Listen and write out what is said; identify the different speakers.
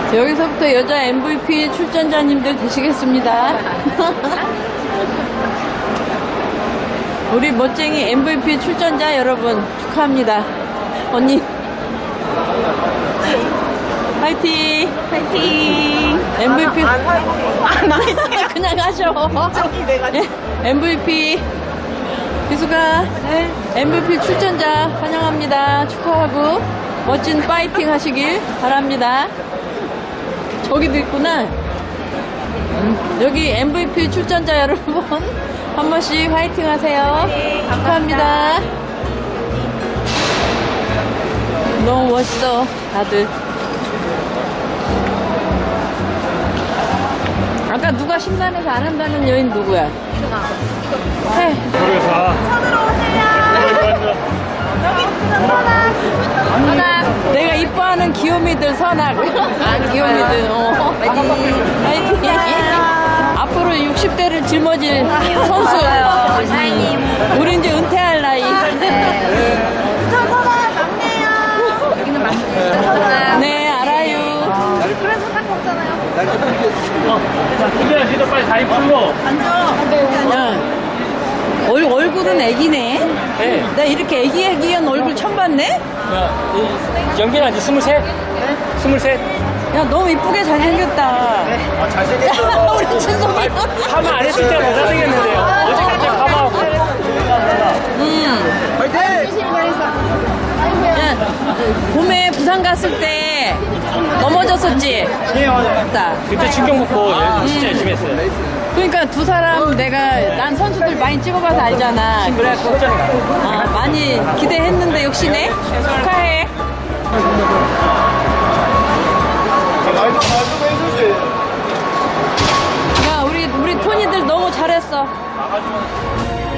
Speaker 1: 여기서부터 여자 MVP 출전자님들 되시겠습니다. 우리 멋쟁이 MVP 출전자 여러분 축하합니다. 언니 화이팅! 화이팅! MVP
Speaker 2: 안 화이팅.
Speaker 1: 그냥 하셔.
Speaker 2: 저기 내가
Speaker 1: 예, MVP 기수가 MVP 출전자 환영합니다. 축하하고 멋진 파이팅 하시길 바랍니다. 저기도 있구나. 여기 MVP 출전자 여러분 한 번씩 화이팅 하세요.
Speaker 2: 네,
Speaker 1: 축하합니다. 너무 멋있어 다들. 아까 누가 심란해서 안 한다는 여인 누구야? 해.
Speaker 2: 손으로 오세요. 여기 선아.
Speaker 1: 내가 이뻐하는 귀요미들 선악. 귀요미들. 화이팅. 앞으로 60대를 짊어질 선수. 우리 이제 은퇴할 나이.
Speaker 2: 저 선아 막내요. 여기는 막내.
Speaker 1: 네, 알아요.
Speaker 2: 그래서 딱 먹잖아요.
Speaker 3: 근데 진짜 빨리 다리 풀고.
Speaker 1: 야, 얼굴은 애기네.
Speaker 3: 네.
Speaker 1: 나 이렇게 애기한 얼굴 처음 봤네?
Speaker 3: 연기는 이제 23? 23?
Speaker 1: 야, 너무 이쁘게 잘생겼다.
Speaker 4: 잘생겼어.
Speaker 1: 우리 친구이.
Speaker 3: 파마 안 했을 때가 더 잘생겼는데요. 어제까지 파마하고.
Speaker 4: 화이팅!
Speaker 1: 야, 봄에 부산 갔을 때 넘어졌었지?
Speaker 3: 네, 맞아요.
Speaker 1: 맞다.
Speaker 3: 그때 충격 먹고 진짜 열심히 했어요.
Speaker 1: 그러니까 두 사람 난 선수들 많이 찍어봐서 알잖아. 그래갖고 많이 기대했는데 역시네. 축하해.
Speaker 4: 말도 해주지.
Speaker 1: 야, 우리 토니들 너무 잘했어.